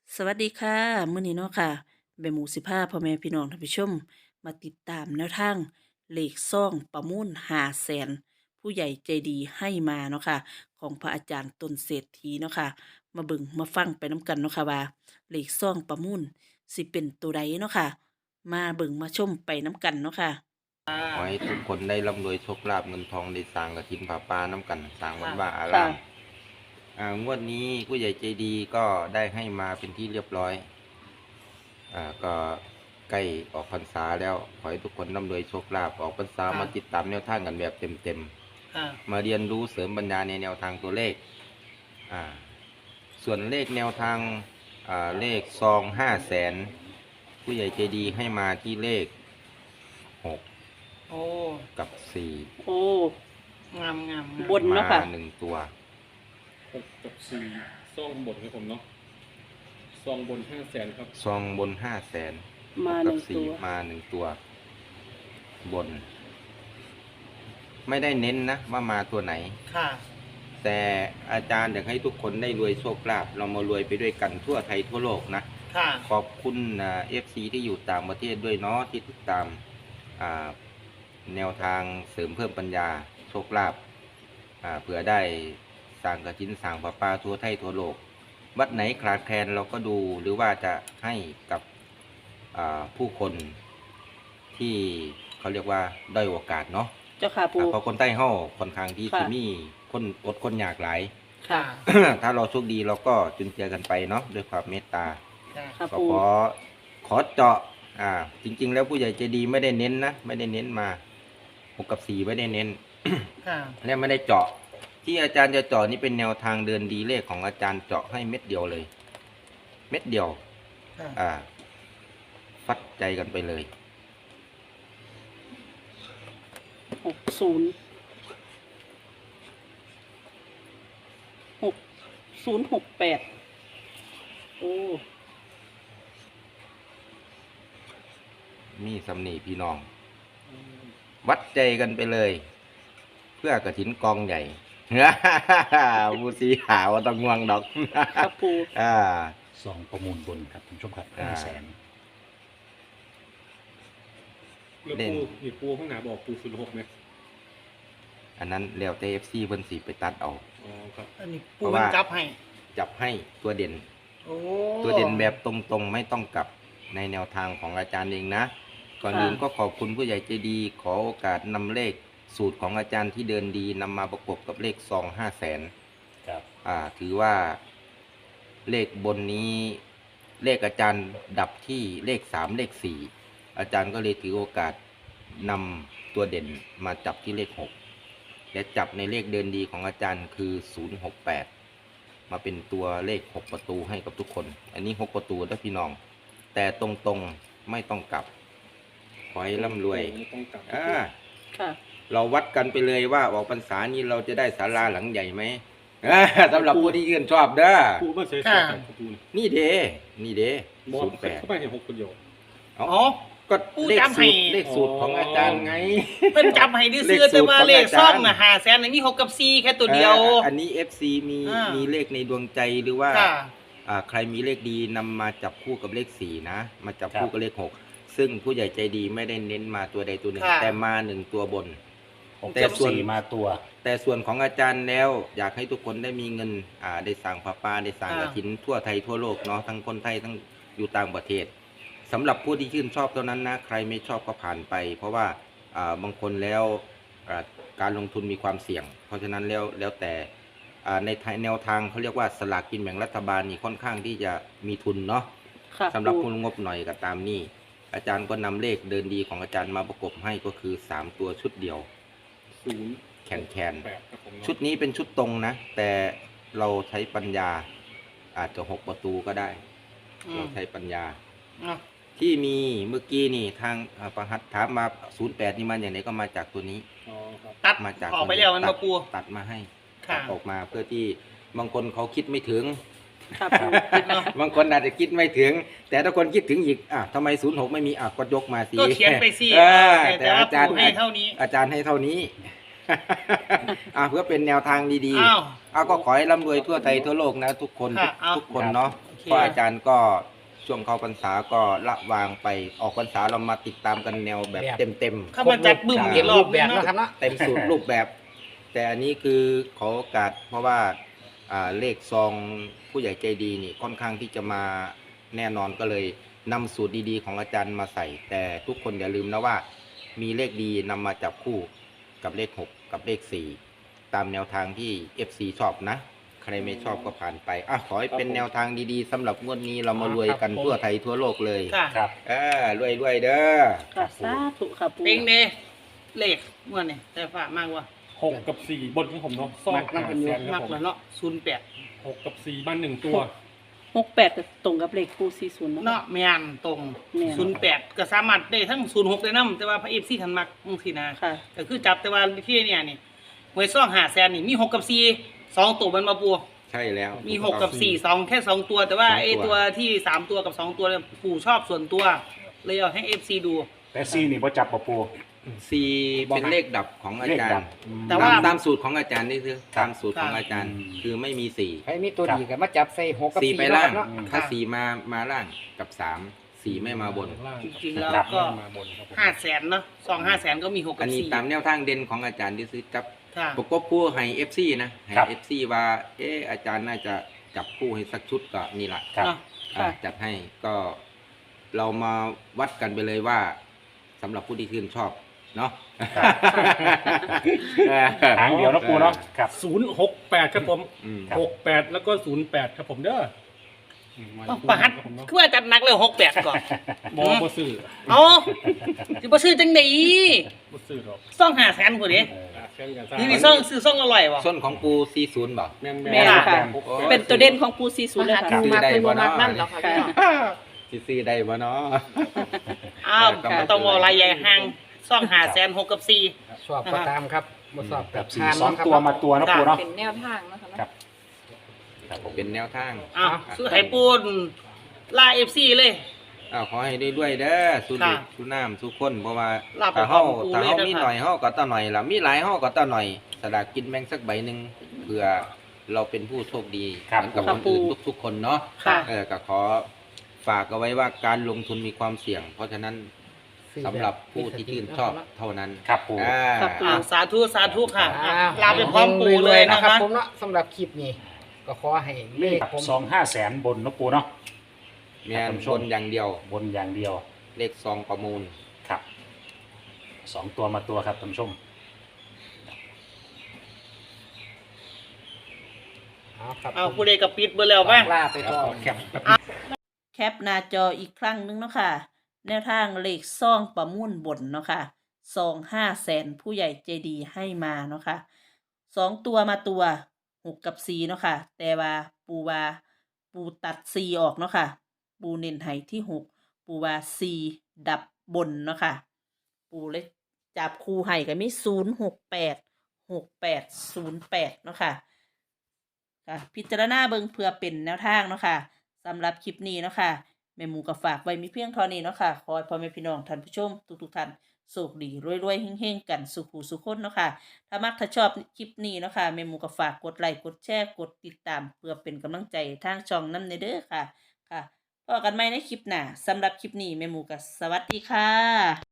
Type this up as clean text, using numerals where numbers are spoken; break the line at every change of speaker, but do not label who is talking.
สวัสดีค่ะมื้อนี้เนาะค่ะแม่หมูสิพาพ่อแม่พี่น้องท่านผู้ชมมาติดตามแนวทางเลขซ่องประมูล500,000ผู้ใหญ่ใจดีให้มาเนาะค่ะของพระอาจารย์ต้นเศรษฐีเนาะค่ะมาเบิ่งมาฟังไปน้ำกันเนาะค่ะว่าเลขซ่องประมูลสิเป็นตัวใดเนาะค่ะมาเบิ่งมาชมไปน้ำกันเนาะค่ะ
ขอให้ทุกคนได้ร่ำรวยโชคลาภเงินทองได้สร้างกฐินผาป่าน้ำกันสร้างวัดว่าอา
ค่ะ
รามงวดนี้ผู้ใหญ่ใจดีก็ได้ให้มาเป็นที่เรียบร้อยก็ใกล้ออกพรรษาแล้วขอให้ทุกคนร่ำรวยโชคลาภออกพรรษามาติดตามแนวทางกันแบบเต็มๆมาเรียนรู้เสริมปัญญาในแนวทางตัวเลขอ่าส่วนเลขแนวทางเลขซอง500,000ผู้ใหญ่ใจดีให้มาที่เลข6
โอ้
กับ4
โอ้
งาม
บนเนาะค่ะ
มา1 ตัว
6 กับ 4ซองบนครับผมเนาะซองบน500,000ครับ
ซองบน500,000
มา
กับ
1 ตัว
4มา1 ตัวบน ไม่ได้เน้นนะว่ามาตัวไหน
ค่ะ
แต่อาจารย์อยากให้ทุกคนได้รวยโชคลาภเรามารวยไปด้วยกันทั่วไทยทั่วโลกนะ
ค่ะ
ขอบคุณFC ที่อยู่ต่างประเทศด้วยเนาะที่ติดตามอ่าแนวทางเสริมเพิ่มปัญญาโชคลาภเผื่อได้สร้างกฐินสร้างประปาทั่วไทยทั่วโลกวัดไหนขาดแคลนเราก็ดูหรือว่าจะให้กับผู้คนที่เขาเรียกว่าด้อยโอกาสเนาะ
เจ้าค่ะปู
เพราะคนใต้เฮาค่อนข้างที่
ค่ะ
สิมีคนอดคนยากหลาย
ค่ะ
ถ้าเราโชคดีเราก็จุนเจือกันไปเนาะด้วยความเมตตา
ค่ะ
ค่ะ
ก็
ปู
ขอเจาะจริงๆแล้วผู้ใหญ่ใจดีไม่ได้เน้นนะไม่ได้เน้นมา6 กับ 4ไม่ได้เน้น
ค่ะ
และไม่ได้เจาะที่อาจารย์จะเจาะนี่เป็นแนวทางเดินดีเลขของอาจารย์เจาะให้เม็ดเดียวเลย เม็ดเดียว
ค่ะ
ฟัดใจกันไปเลย
60 6068โอ้
มีสำนีพี่น้อง วัดใจกันไปเลย เพื่อกฐินกองใหญ่ บูสีหาว่าต้องง่วงดอก
ครับปู
ซองประมูลบนครับคุณผู้ชมครับ500,000
แล้วปูข้างหน้าบอกปู06ไหม
อันนั้นแล้วแต่ FC เพิ่นสิไปตัดเอา
อ๋อครับ
อันนี้ปูมันจับให้
จับให้ตัวเด่น
โอ้
ตัวเด่นแบบตรงๆไม่ต้องกลับในแนวทางของอาจารย์เองนะ ก่อนอื่นก็ขอบคุณผู้ใหญ่ใจดีขอโอกาสนำเลขสูตรของอาจารย์ที่เดินดีนำมาประกบกับเลขซอง500,000
ครับ
ถือว่าเลขบนนี้เลขอาจารย์ดับที่เลข3เลข4อาจารย์ก็เลยถือโอกาสนำตัวเด่นมาจับที่เลข6และจับในเลขเดินดีของอาจารย์คือ068มาเป็นตัวเลข6ประตูให้กับทุกคน อันนี้6ประตูนะพี่น้องแต่ตรงๆไม่ต้องกลับขอให้ร่ำรวย
ไม่ต้องกลับ
ค่ะ
เราวัดกันไปเลยว่าออกพรรษานี้เราจะได้ศาลาหลังใหญ่ไหมสำหรับผู้ที่ยื่นชอบเด้อ
ปูมาใช้สูตรของปูนะ
นี่เด้นี่เด้
บอล
08
เข้าไปเห็น6 คนเดียว
เอา
อ๋อ
ก็
ผู้
เลข
จำให้
สูตรเลขสูตรของอาจารย์ไง
เป็นจับให้ดื้อซื้อแต่ว่าเลขซ่องน่ะ500,000อันนี้6 กับ 4แค่ตัวเดียว
อันนี้ FC มี
มี
เลขในดวงใจหรือว่า
ค่ะ
ใครมีเลขดีนำมาจับคู่กับเลข4นะมาจับคู่
ครับ
กับเลข6ซึ่งผู้ใหญ่ใจดีไม่ได้เน้นมาตัวใดตัวหนึ่ง
ค่ะ
แต่มา1ตัวบน
6
แต่
กับ
ส่วน
4มาตัว
แต่ส่วนของอาจารย์แล้วอยากให้ทุกคนได้มีเงินได้สั่งผ้าป่าได้สั่งกฐินทั่วไทยทั่วโลกเนาะทั้งคนไทยทั้งอยู่ต่างประเทศสำหรับผู้ที่ชื่นชอบเท่านั้นนะใครไม่ชอบก็ผ่านไป เพราะว่าบางคนแล้วการลงทุนมีความเสี่ยง เพราะฉะนั้นแล้วแต่ในแนวทางเขาเรียกว่าสลากกินแบ่งรัฐบาลนี่ค่อนข้างที่จะมีทุนเนาะ
ค่ะ
สำหรับ
ปู
ผู้งบหน่อยก็ตามนี่อาจารย์ก็นำเลขเดินดีของอาจารย์มาประกบให้ก็คือ3ตัวชุดเดียว
0
แขน
8ครับผม
ชุดนี้เป็นชุดตรงนะ แต่เราใช้ปัญญาอาจจะ6ประตูก็ได้ เราใช้ปัญญา
อ่ะ
ที่มีเมื่อกี้นี่ทางประหัตถามมา08นี่มาอย่างไหนก็มาจากตัวนี้
อ๋อครับ
ตัด
มาจาก
ออกไปแล้วมันมาปู
ตัดมาให้
ค่ะ
ตัดออกมาเพื่อที่บางคนเขาคิดไม่ถึง
ค่ะปู
เนาะ
บางคนอาจจะคิดไม่ถึง แต่ถ้าคนคิดถึงอีกทำไม06ไม่มีก็ยกมาสิ
ก็เขียนไปสิ
แต่อาจารย์
ปูให้เท่านี้
อาจารย์ให้เท่านี้ เพื่อเป็นแนวทางดี
อ้าว
ๆก็ขอให้ร่ำรวยทั่วไทยทั่วโลกนะทุกคน
ค่ะเอา
ทุกคนเนาะ
เค
เพราะอาจารย์ก็ช่วงเข้าพรรษาก็ละวางไปออกพรรษาเรามาติดตามกันแนวแบบเต็ม
เข้ามาจัดบึ้มอีกรอบ
แบบ
นึง
นะ
เนาะ
ครับเนาะ
เต็มสูตรรูปแบบ แต่อันนี้คือขอโอกาสเพราะว่าเลขซองผู้ใหญ่ใจดีนี่ค่อนข้างที่จะมาแน่นอนก็เลยนำสูตรดีๆของอาจารย์มาใส่ แต่ทุกคนอย่าลืมนะว่า มีเลขดีนำมาจับคู่กับเลข 6 กับเลข 4 ตามแนวทางที่ FC ชอบนะ ใครไม่ชอบก็ผ่านไปขอให้เป็นแนวทางดีๆสำหรับงวดนี้เรามารวยกันทั่วไทยทั่วโลกเลย
ค่ะ
ครับ
รวยๆเด้อ
ค่ะสาธุค่ะปู
เพลงเด้เลขม่วนนี่แต่ฝากมากว่า
6 กับ 4 บนของผมเนาะซอง
มักนั่งเป็นอยู่
500,000ค
มา
รั
ก
บผม
แล้วเนาะ08
6 กับ 4 บ้าน 1 ตัว
68ก็ตรงกับเลขปู40เนาะ
เนาะแม่นตรง
แม่น
08ก็สามารถได้ทั้ง06ได้นํแต่ว่าพระ FC ทันมักจังซี่นะ
ค่ะ
ก็คือจับแต่ว่าที่เนี่ยนี่หวยซ่อง500,000นี่มี6กับ4 2ตัวมันมาปู
ใช่แล้ว
มี6กับ4 2แค่2ตัว แต่ว่า
สองตัว
ไอ้ตัวที่3ตัวกับ2ตัวเนี่ยปู่ชอบส่วนตัวเลยเอาให้ FC ดู
แต่ซีนี่บ่จับบ่ปู
สี่เป็นเลขดับของอา
เลข
จาร
ดับ
ย์
แต่ว่า
ตามสูตรของอาจารย์นี่คือตามสูตรของอาจารย์
อืม
คือไม่มีสี่
ใครมีตัวดีก็มาจับใส่6กับ
สี่
4
ไป
เนาะ
ล่า
ครั
ง
บเนาะ
ถ้าสี่มาล่างกับสามสี่ไม่มาบน
จริงๆแล้ว
ครับ
ก็
มาบนครับผม
500,000เนาะซอง500,000ก็มี6
อั
กัน บ
นี้ตาม
4
แนวทางเด่นของอาจารย์ที่ซื้อจับ
ค่ะ
ประกบคู่ให้เอฟซีนะให้
ครับ
เอฟซีว่าอาจารย์น่าจะจับคู่ให้สักชุดก็นี่แหละ
ครับ
เนาะ
ค่ะ
จัดให้ก็เรามาวัดกันไปเลยว่าสำหรับผู้ที่ชื่นชอบเนาะ
หางเดียวนะปูเนาะครับ
068 ครับผม
อืม
68 แล้วก็ 08 ครับผมเด้ออืมมา
ต้องประหัด
ครับผมเนาะ
คือว่าจัดหนักเลย68ก่อน
บ่ซื้อ
เอาสิบ่ซื้อจังได๋
บ่ซื้อหรอก
ซอง500,000พุ่นเด้
แข่งกันซะ
นี่ซองซื้อซองละร้อยบ่
ส้นของปูซีศูนย์บ่
แม่น
แม่นค่ะ
โอ้โห
เป็นตัวเด่นของปู40เลย
หัด
ค่ะ
ดูมากเป็นบ่มากนั่นเนาะครับพี่น้อง
ซีซีได้บ่เนาะ
อ้าว
ค่ะ
บ่ต้องเอาอะไรใหญ่ห่างซอง500,000 6กับ4
ชอบก็ตามครับบ่ชอบ
กั
กั
บบ 4
ทาน
สอง
เนาะครับ
ตัวมาตัวนะปูเนาะ
เป็นแนวทางนะคะเนาะ
ครับครับผม
เป็นแนวทาง
อ้าวซื้อไห้ปูนล่า FC เลย
ขอให้ด้วยๆเด้อสู้
ค่ะ
ลูกสู้น้ำสู้คนเพราะว่า
ลาบ
ถ้าเฮา
ของปู
ถ้าเฮา
เลย
มี
นะคะ
หน่อยเฮาก็ต่อหน่อยล่ะมีหลายเฮาก็ต่อหน่อยสลากกินแบ่งสักใบหนึงเพื่อเราเป็นผู้โชคดี
ครับ
เหมือนกับ
ครั
ค
บ
นอื่น
ปู
ทุกๆคนเนาะ
ค่ะ
ก็ขอฝากเอาไว้ว่าการลงทุนมีความเสี่ยง เพราะฉะนั้นสำหรับผู้ที่ชื่นชอบเท่านั้น
ครับปู
ครับปู
สาธุสาธุค่ะ
อ่า
ลาไปพร้อมปู่เลย
นะ
นะ
ครั
คะ
บผมเนาะสำหรับคลิปนี้ก็ขอให้เลขผม
2-500,000 บนนะปูเนาะ
แม่นชนอย่างเดียว
บนอย่างเดียว
เลขซองประมูล
ครับ2 ตัวมาตัวครับท่านผู้ชม
เอาครับ
เอาผู้ใดกับปิดเบอร์แล้วป่ะ
ลาไปก่อน
แคป
แคปหน้าจออีกครั้งหนึงเนาะค่ะ แนวทางเลขซ่องประมุ่นบนเนาะค่ะซอง500,000ผู้ใหญ่ใจดีให้มาเนาะค่ะ2ตัวมาตัว6กับ4เนาะค่ะ แต่ว่าปูตัด4ออกเนาะค่ะ ปูเน้นให้ที่6ปูว่า4ดับบนเนาะค่ะ ปูเลยจับคู่ให้ก็มี0686808เนาะค่ะ ค่ะพิจารณาเบิ่งเพื่อเป็นแนวทางเนาะค่ะสำหรับคลิปนี้เนาะค่ะแม่หมูก็ฝากไว้มีเพียงเท่านี้เนาะค่ะขอให้พ่อแม่พี่น้องท่านผู้ชมทุกท่านโชคดีรวยๆเฮงๆกันสุขุสุขคนเนาะค่ะถ้ามักถ้าชอบคลิปนี้เนาะค่ะแม่หมูก็ฝากกดไลค์กดแชร์กดติดตามเพื่อเป็นกำลังใจทางช่องนำเด้อค่ะค่ะพบกันใหม่ในคลิปหน้าสำหรับคลิปนี้แม่หมูก็สวัสดีค่ะ